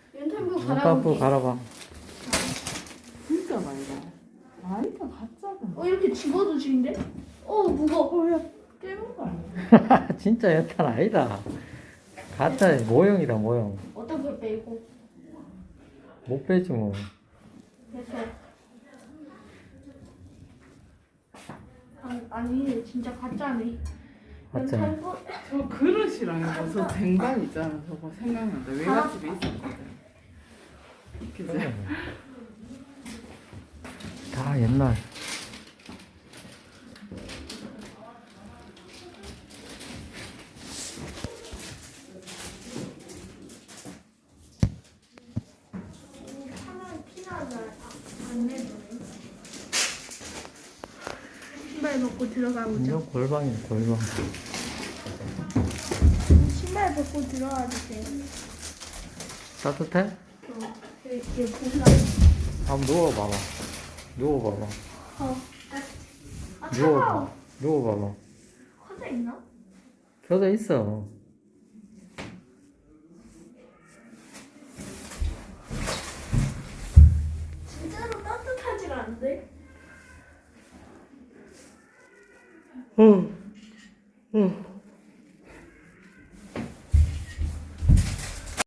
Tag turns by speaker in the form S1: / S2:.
S1: 연탄불
S2: 연탄불
S1: 갈아볼게.
S2: 갈아봐.
S3: 진짜 말이다. 아니다 가짜다.
S1: 이렇게 집어도 지는데? 무거워.
S3: 야 깨는 거 아니야?
S2: 진짜 연탄 아니다. 가짜 모형이다 모형.
S1: 어떻게 빼고?
S2: 못 빼지 뭐.
S1: 됐어. 아니 진짜 가짜네.
S2: 가짜.
S1: 연탄불.
S3: 저 그릇이랑 이거 저 쟁반 있잖아. 저거 생각난다. 외갓집에 있었거든. 그지?
S2: 다 옛날.
S1: 하나는 피나는 안 내주네. 신발 벗고 들어가보자.
S2: 완전 골방이네 골방.
S1: 신발 벗고 들어가도 돼.
S2: 따뜻해?
S1: 이렇게 보자.
S2: 한번 누워봐봐. 누워봐봐.
S1: 차가워.
S2: 누워봐. 누워봐봐.
S1: 커져 있나?
S2: 켜져 있어.
S1: 진짜로 따뜻하질 않은데?
S2: 어. 어.